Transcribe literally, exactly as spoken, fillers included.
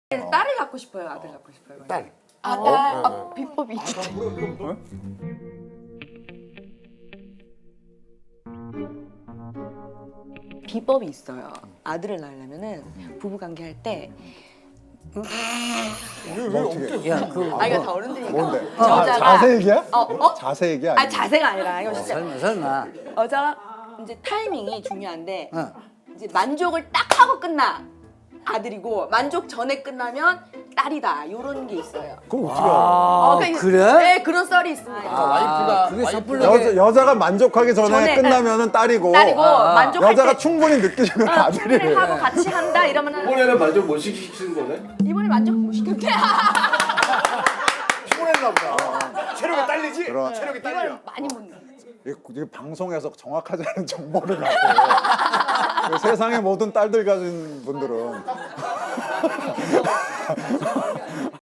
딸을 갖고 싶어요, 아들 갖고 싶어요. 딸. 아, 어? 딸. 어, 아, 비법이 있죠. 비법이 있어요. 아들을 낳으려면은 부부 관계 할 때. 뭐 어떻게? 야, 그 아 이거 다 어른들이니까. 뭔데? 여자가 자, 자세 얘기야? 어, 어? 자세 얘기야? 아 자세가 아니라 이거 진짜 설마 설마. 여자가 이제 타이밍이 중요한데 어. 이제 만족을 딱 하고 끝나 아들이고 만족 전에 끝나면 딸이다 요런 게 있어요. 그럼 어떻게 알아? 아, 어, 그러니까 그래? 네 그런 썰이 있습니다. 아, 와이프가- 그게 와이프가- 섣불르게 여자, 여자가 만족하기 전에, 전에, 끝나면은 딸이고 딸이고 아, 아. 만족할 여자가 때 충분히 느끼시면 어, 아들이래. 충분히 하고 같이 한다 이러면은 이번에는 만족 못 시키신 거네? 이번에 만족 못 시켰대. 피곤했나 보다. 체력이 딸리지? 그럼. 체력이 딸려. 이걸 많이 못 내. 이, 이 방송에서 정확하지 않은 정보를 갖고 그 세상의 모든 딸들 가진 분들은